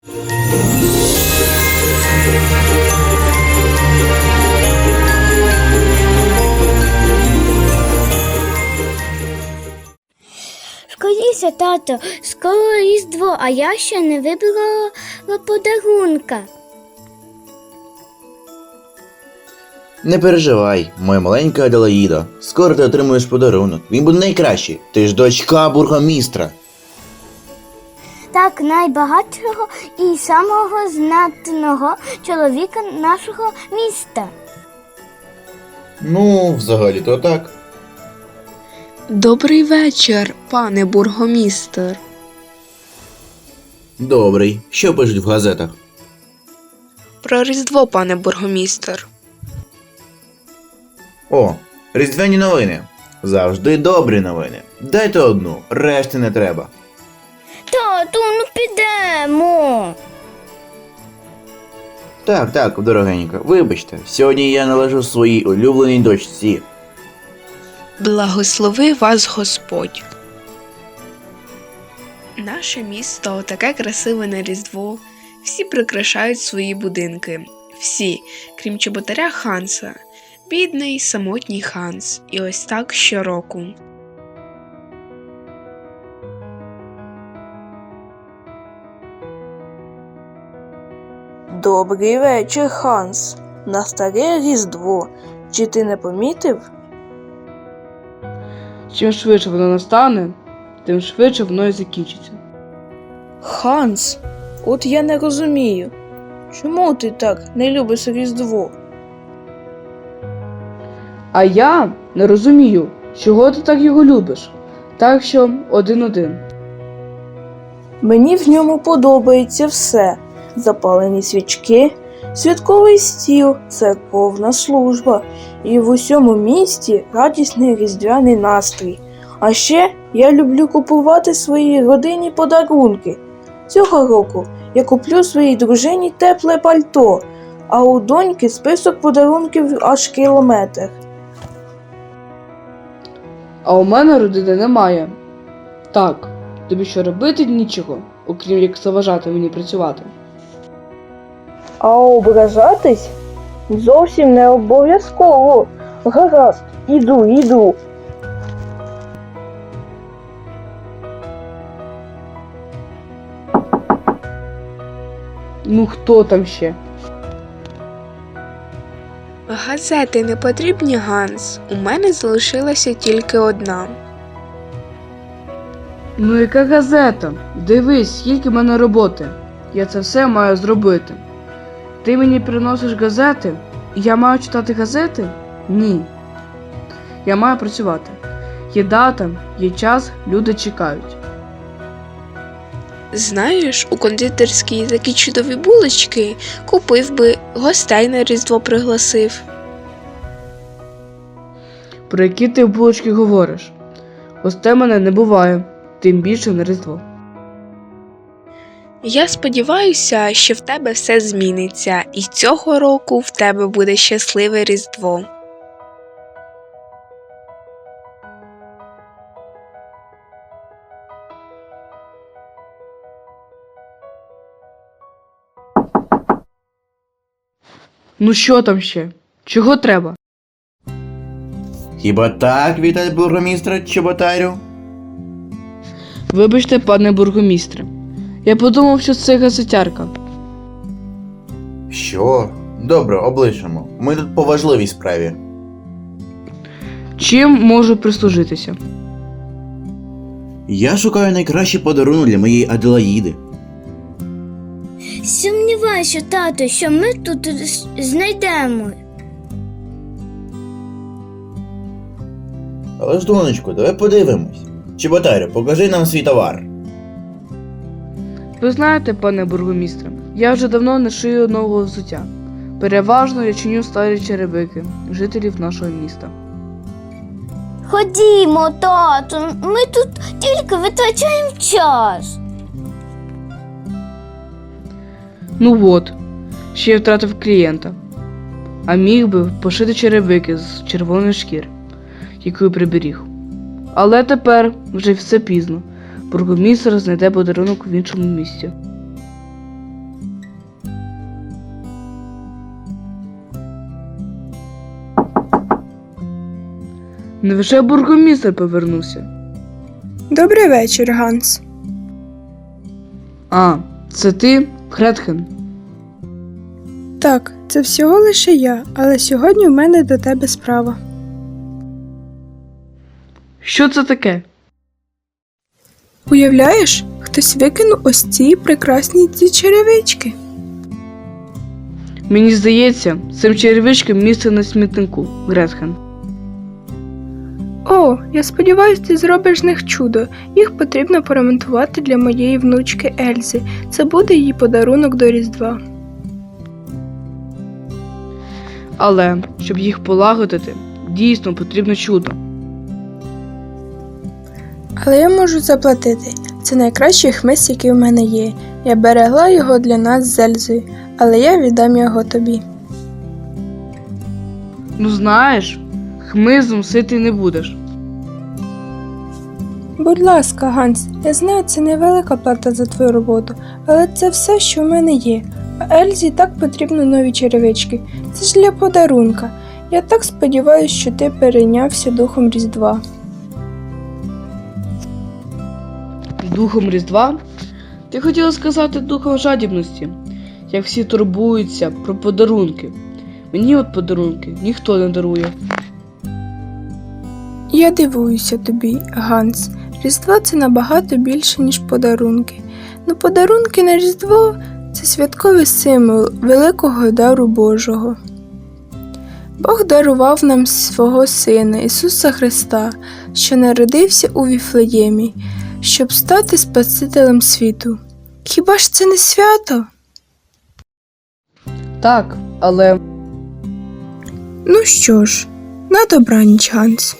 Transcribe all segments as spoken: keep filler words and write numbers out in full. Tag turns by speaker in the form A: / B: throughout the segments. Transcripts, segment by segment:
A: Скоріше, тато, скоро Різдво, а я ще не вибрала подарунка.
B: Не переживай, моя маленька Аделаїда. Скоро ти отримуєш подарунок. Він буде найкращий. Ти ж дочка бургомістра.
A: Так, найбагатшого і самого знатного чоловіка нашого міста.
B: Ну, взагалі-то так.
C: Добрий вечір, пане бургомістр.
B: Добрий. Що пишуть в газетах?
C: Про Різдво, пане бургомістр.
B: О, різдвяні новини. Завжди добрі новини. Дайте одну, решти не треба.
A: Тату, ну підемо.
B: Так, так, дорогенька, вибачте, сьогодні я належу своїй улюбленій дочці.
C: Благослови вас Господь. Наше місто таке красиве на Різдво. Всі прикрашають свої будинки. Всі, крім чоботаря Ханса. Бідний, самотній Ханс. І ось так щороку.
D: Добрий вечір, Ханс. На старе Різдво. Чи ти не помітив?
E: Чим швидше воно настане, тим швидше воно і закінчиться.
D: Ханс, от я не розумію. Чому ти так не любиш Різдво?
E: А я не розумію, чого ти так його любиш. Так що один-один.
D: Мені в ньому подобається все. Запалені свічки, святковий стіл, церковна служба і в усьому місті радісний різдвяний настрій. А ще я люблю купувати своїй родині подарунки. Цього року я куплю своїй дружині тепле пальто, а у доньки список подарунків аж кілометр.
E: А у мене родини немає. Так, тобі що робити нічого, окрім як заважати мені працювати.
D: А ображатись зовсім не обов'язково. Гаразд, іду, іду.
E: Ну хто там ще?
C: Газети не потрібні, Ганс. У мене залишилася тільки одна.
E: Ну яка газета? Дивись, скільки в мене роботи. Я це все маю зробити. Ти мені приносиш газети, і я маю читати газети? Ні. Я маю працювати. Є дата, є час, люди чекають.
C: Знаєш, у кондитерській такі чудові булочки. Купив би, гостей на Різдво пригласив.
E: Про які ти булочки говориш? Гостей мене не буває, тим більше на Різдво.
C: Я сподіваюся, що в тебе все зміниться, і цього року в тебе буде щасливе Різдво.
E: Ну що там ще? Чого треба?
B: Хіба так, вітає бургомістра Чоботарю?
E: Вибачте, пане бургомістре. Я подумав, що це газетярка.
B: Що? Добре, облишимо. Ми тут по важливій справі.
E: Чим можу прислужитися?
B: Я шукаю найкращий подарунок для моєї Аделаїди.
A: Сумніваюся, тато, що ми тут знайдемо.
B: Але ж, донечко, давай подивимось. Чоботарю, покажи нам свій товар.
E: Ви знаєте, пане бургомістре, я вже давно не шию нового взуття. Переважно я чиню старі черевики жителів нашого міста.
A: Ходімо, тату, ми тут тільки витрачаємо час.
E: Ну от, ще я втратив клієнта. А міг би пошити черевики з червоної шкіри, яку я приберіг. Але тепер вже все пізно. Бургомістр знайде подарунок в іншому місці. Невже бургомістр повернувся?
F: Добрий вечір, Ганс.
E: А, це ти, Гретхен?
F: Так, це всього лише я, але сьогодні в мене до тебе справа.
E: Що це таке?
F: Уявляєш, хтось викинув ось ці прекрасні ці черевички.
E: Мені здається, цим черевичкам місце на смітнику, Гретхен.
F: О, я сподіваюся, ти зробиш з них чудо. Їх потрібно поремонтувати для моєї внучки Ельзи. Це буде її подарунок до Різдва.
E: Але, щоб їх полагодити, дійсно потрібно чудо.
F: Але я можу заплатити. Це найкращий хмиз, який в мене є. Я берегла його для нас з Ельзою, але я віддам його тобі.
E: Ну знаєш, хмизом ситий не будеш.
F: Будь ласка, Ганс, я знаю, це невелика плата за твою роботу, але це все, що в мене є. А Ельзі так потрібно нові черевички. Це ж для подарунка. Я так сподіваюся, що ти перейнявся духом Різдва.
E: Духом Різдва? Ти хотіла сказати духом жадібності, як всі турбуються про подарунки. Мені от подарунки ніхто не дарує.
F: Я дивуюся тобі, Ганс. Різдво – це набагато більше, ніж подарунки. Ну, подарунки на Різдво – це святковий символ великого дару Божого. Бог дарував нам свого Сина Ісуса Христа, що народився у Віфлеємі, щоб стати Спасителем світу. Хіба ж це не свято?
E: Так, але
F: Ну що ж, на добраніч, Ганс.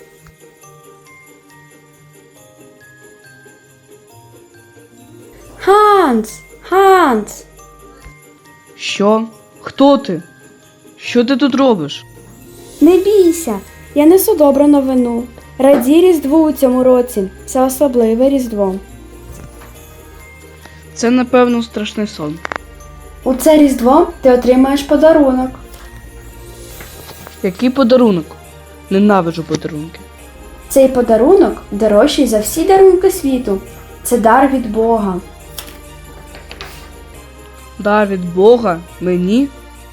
G: Ганс! Ганс!
E: що? Хто ти? Що ти тут робиш?
G: Не бійся! Я несу добру новину. Радій Різдву у цьому році. Це особливе Різдво.
E: Це, напевно, страшний сон.
G: У це Різдво ти отримаєш подарунок.
E: Який подарунок? Ненавиджу подарунки.
G: Цей подарунок дорожчий за всі дарунки світу. Це дар від Бога.
E: Дар від Бога? Мені?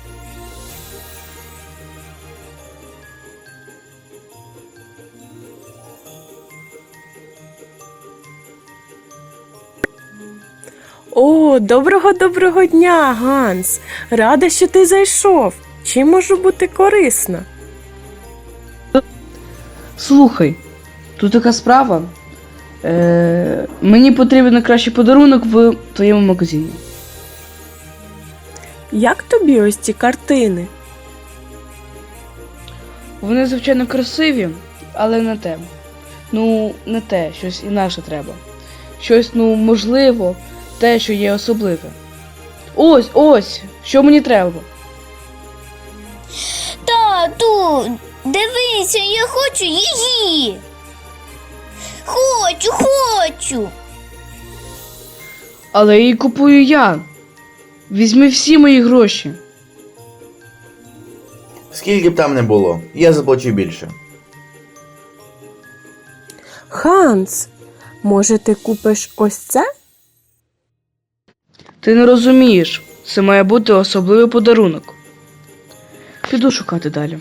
H: О, доброго-доброго дня, Ганс! Рада, що ти зайшов. Чим можу бути корисна?
E: Слухай, тут така справа. Е, мені потрібен найкращий подарунок в твоєму магазині.
H: Як тобі ось ці картини?
E: Вони, звичайно, красиві, але не те. Ну, не те, щось інакше треба. Щось, ну, можливо, те, що є особливе. Ось, ось, що мені треба.
A: Тату, дивися, я хочу її. Хочу, хочу.
E: Але її купую я. Візьми всі мої гроші.
B: Скільки б там не було, я заплачу більше.
H: Ганс, може ти купиш ось це?
E: Ти не розумієш, це має бути особливий подарунок. Піду шукати далі.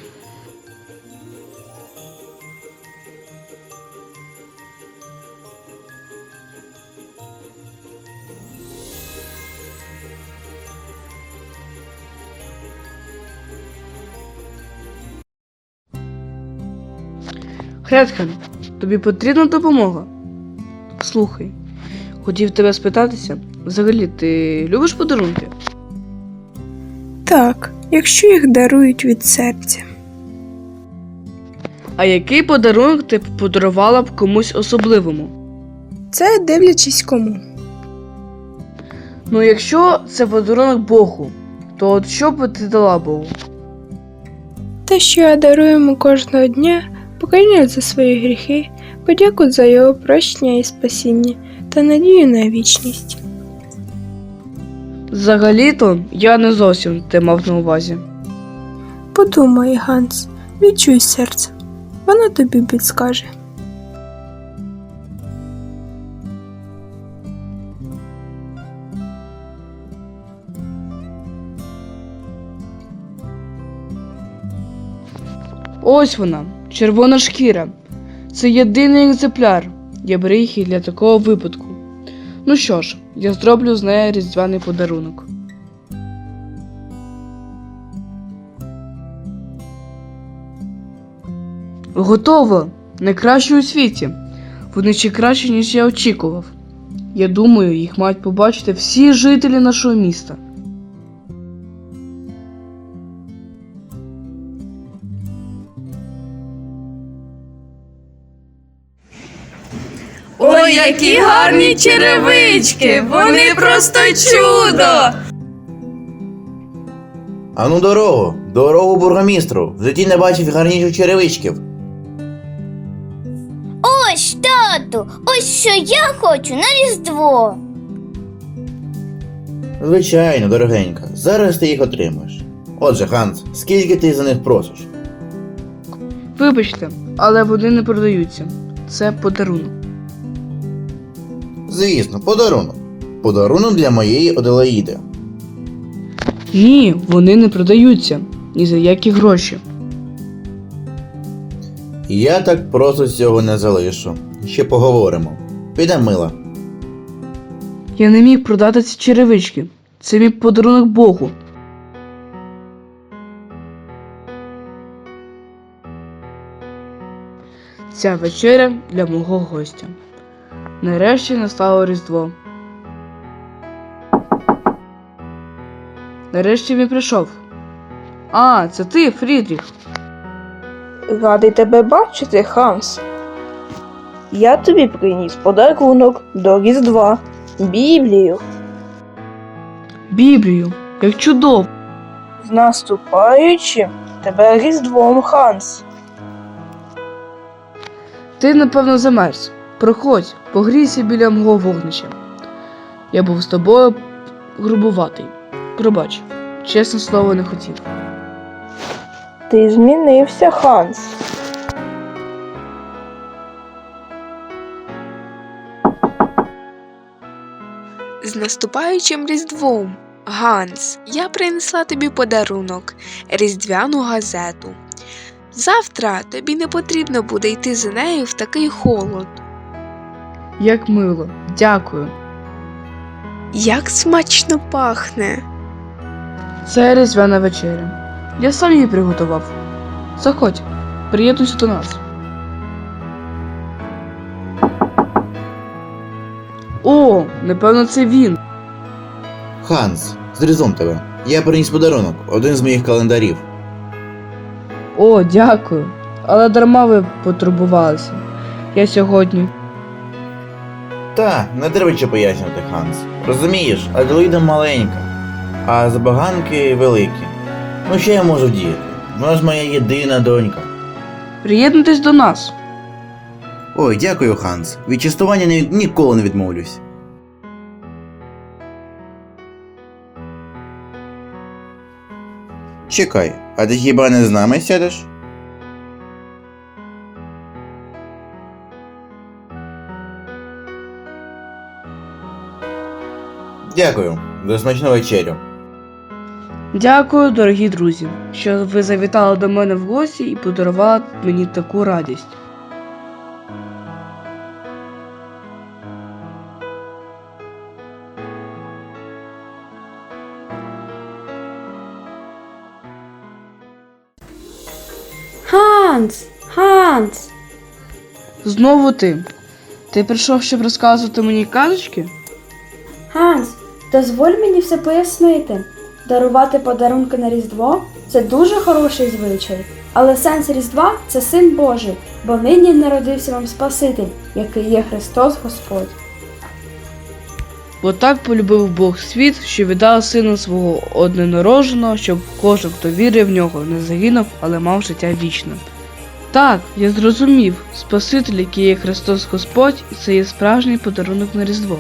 E: Гретхен, тобі потрібна допомога? Слухай, хотів тебе спитатися, взагалі ти любиш подарунки?
F: Так, якщо їх дарують від серця.
E: А який подарунок ти б подарувала б комусь особливому?
F: Це дивлячись кому.
E: Ну, якщо це подарунок Богу, то от що б ти дала Богу?
F: Те, що я дарую йому кожного дня, покаяння за свої гріхи, подяку за його прощення і спасіння та надію на вічність.
E: Взагалі-то я не зовсім те мав на увазі.
F: Подумай, Ганс, відчуй серце. вона тобі підскаже.
E: Ось вона, червона шкіра. Це єдиний екземпляр. Я беру їх і для такого випадку. Ну що ж, я зроблю з неї різдвяний подарунок. Готово! Найкраще у світі. Вони ще краще, ніж я очікував. Я думаю, їх мають побачити всі жителі нашого міста.
I: Ой, які гарні черевички! Вони просто чудо!
B: Ану дорогу, дорогу бургомістру. В житті не бачив гарніших черевичків.
A: Ось, тату, ось що я хочу на Різдво.
B: Звичайно, дорогенька, зараз ти їх отримаєш. Отже, Ханс, скільки ти за них просиш?
E: Вибачте, але вони не продаються. Це подарунок.
B: Звісно, подарунок. Подарунок для моєї Аделаїди.
E: Ні, вони не продаються. Ні за які гроші.
B: Я так просто цього не залишу. Ще поговоримо. Піде, мила.
E: Я не міг продати ці черевички. Це мій подарунок Богу. Ця вечеря для мого гостя. Нарешті настало Різдво. Нарешті він прийшов. А, це ти, Фрідріх.
D: Радий тебе бачити, Ханс. Я тобі приніс подарунок до Різдва. Біблію.
E: Біблію, як чудово.
D: З наступаючим тебе Різдвом, Ханс.
E: Ти, напевно, замерз. Проходь, погрійся біля мого вогнища. Я був з тобою грубуватий. Пробач, чесне слово, не хотів.
D: Ти змінився, Ханс.
C: З наступаючим Різдвом! Ганс, я принесла тобі подарунок – різдвяну газету. Завтра тобі не потрібно буде йти за нею в такий холод.
E: Як мило, дякую.
C: Як смачно пахне!
E: Це різдвяна вечеря. Я сам її приготував. Заходь, приєднуйся до нас. О, напевно, це він.
B: Ханс, з Різдвом тебе. Я приніс подарунок, один з моїх календарів.
E: О, дякую. Але дарма ви потурбувалися. Я сьогодні.
B: Та, не треба ще пояснювати, Ханс. Розумієш, Аделаїда маленька, а забаганки великі. Ну що я можу вдіяти? Вона ж моя єдина донька.
E: Приєднуйтесь до нас.
B: Ой, дякую, Ханс. Від частування ні- ніколи не відмовлюсь. Чекай, а ти хіба не з нами сядеш? Дякую. До смачного вечерю.
E: Дякую, дорогі друзі, що ви завітали до мене в гості і подарували мені таку радість.
G: Ханс! Ханс!
E: Знову ти. Ти прийшов, щоб розказувати мені казочки?
G: Ханс, дозволь мені все пояснити. Дарувати подарунки на Різдво – це дуже хороший звичай. Але сенс Різдва – це Син Божий, бо нині народився вам Спаситель, який є Христос Господь.
E: Бо так полюбив Бог світ, що віддав сина свого одненароженого, щоб кожен, хто вірив в нього, не загинув, але мав життя вічне. Так, я зрозумів, Спаситель, який є Христос Господь, і це є справжній подарунок на Різдво.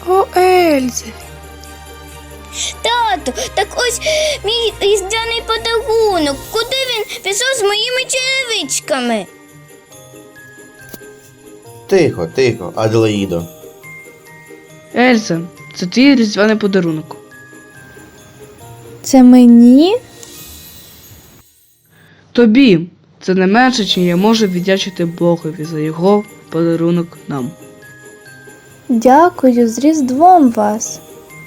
F: Ого, Ельзе.
A: Тату, так ось мій різдвяний подарунок. Куди він пішов з моїми черевичками?
B: Тихо, тихо, Аделаїдо.
E: Ельза, це твій різдвяний подарунок.
F: Це мені?
E: Тобі це не менше, чим я можу віддячити Богові за його подарунок нам.
F: Дякую, з Різдвом вас.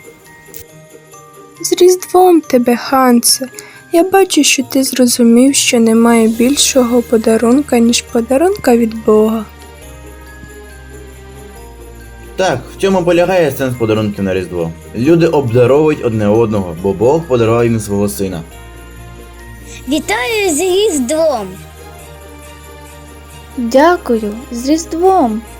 F: З Різдвом тебе, Хансе. Я бачу, що ти зрозумів, що немає більшого подарунка, ніж подарунка від Бога.
B: Так, в цьому полягає сенс подарунків на Різдво. Люди обдаровують одне одного, бо Бог подарував їм свого сина.
A: Вітаю з Різдвом!
F: Дякую, з Різдвом.